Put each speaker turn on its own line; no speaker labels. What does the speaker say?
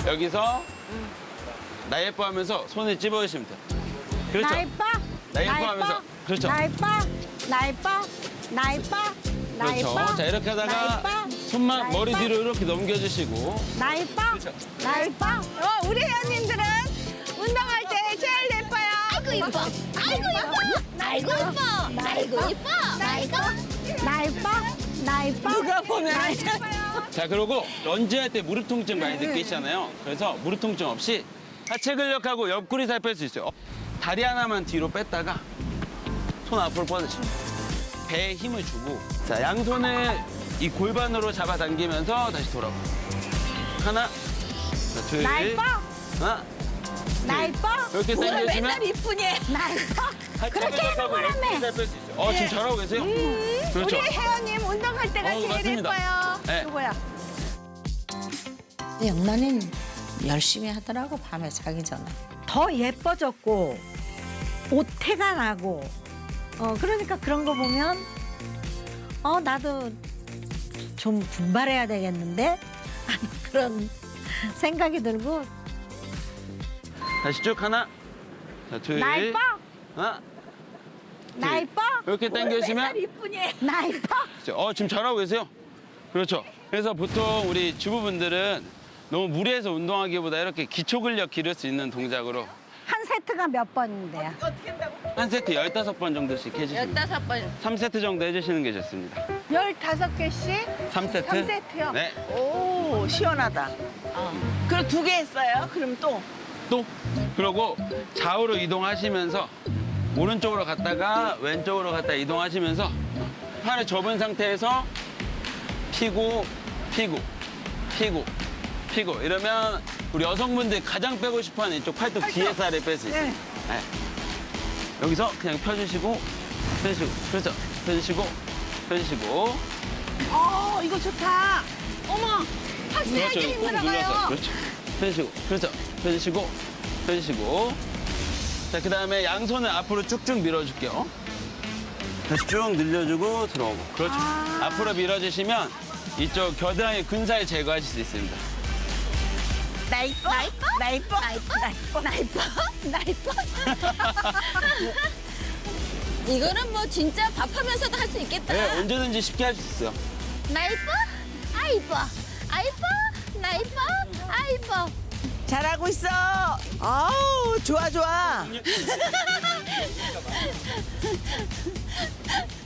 여기서 나 예뻐 하면서 손을 찝어주시면 돼요. 그렇죠.
나 예뻐?
나 예뻐 하면서. 그렇죠.
나 예뻐? 나 예뻐? 나 예뻐? 나
그렇죠.
예뻐?
자, 이렇게
나
하다가
예뻐?
손만
나
머리
예뻐?
뒤로 이렇게 넘겨주시고.
나 예뻐?
그렇죠.
나 예뻐?
우리 회원님들은 운동할 때 제일 예뻐요.
아이고 이뻐. 아이고 이뻐. 아이고 이뻐. 아이고 이뻐. 아이고.
나 예뻐? 나 예뻐?
누가 보면
나
알죠.
예뻐요.
자, 그리고 런지할 때 무릎 통증 많이 느끼시잖아요. 그래서 무릎 통증 없이 하체 근력하고 옆구리 살 뺄 수 있어요. 다리 하나만 뒤로 뺐다가 손 앞으로 뻗으시면 배에 힘을 주고 자, 양손을 이 골반으로 잡아당기면서 다시 돌아오고 하나, 자, 둘,
나 예뻐?
하나,
나 예뻐?
이렇게
오늘
당겨주시면
맨날 이쁘니.
나 예뻐?
하체
그렇게
근력하고
하는
옆구리
거라며.
살 뺄 수 있어요. 지금 잘하고 계세요? 그렇죠.
우리 회원님 운동할 때가 제일
맞습니다.
예뻐요.
네.
누구야?
영란이는 열심히 하더라고, 밤에 자기 전에.
더 예뻐졌고 옷태가 나고 그러니까 그런 거 보면 나도 좀 분발해야 되겠는데 그런 생각이 들고
다시 쭉 하나, 자, 둘,
나 예뻐?
하나,
나
둘.
예뻐?
이렇게 당겨주시면
맨날 이쁘니.
나 예뻐?
지금 잘하고 계세요. 그렇죠. 그래서 보통 우리 주부분들은 너무 무리해서 운동하기보다 이렇게 기초 근력 기를 수 있는 동작으로
한 세트가 몇 번인데요?
어떻게 한다고?
한 세트 15번 정도씩 해주시면
15번.
3세트 정도 해주시는 게 좋습니다.
15개씩?
3세트?
3세트요?
네.
오, 시원하다. 그럼 2개 했어요? 그럼 또?
또 그러고 좌우로 이동하시면서 오른쪽으로 갔다가 왼쪽으로 갔다 이동하시면서 팔을 접은 상태에서 피고 피고 피고 피고 이러면 우리 여성분들이 가장 빼고 싶어하는 이쪽 팔뚝 뒤에 살을 뺄 수 있어요.
네.
네. 여기서 그냥 펴주시고 펴주시고 그렇죠. 펴주시고 펴주시고
이거 좋다. 어머, 확실하게
그렇죠. 꾹 눌러서
힘들어가요.
그렇죠. 펴주시고 그렇죠. 펴주시고 펴주시고 자, 그다음에 양손을 앞으로 쭉쭉 밀어줄게요. 다시 쭉 늘려주고 들어오고 그렇죠. 앞으로 밀어주시면 이쪽 겨드랑이 근살 제거하실 수 있습니다.
나 이뻐? 나 이뻐? 나 이뻐? 나 이뻐? 나 이뻐? 나 이뻐?
이거는 뭐 진짜 밥하면서도 할 수 있겠다.
네, 언제든지 쉽게 할 수 있어요.
나 이뻐? 아 이뻐. 아 이뻐? 나 이뻐? 아 이뻐.
잘하고 있어. 아우, 좋아, 좋아.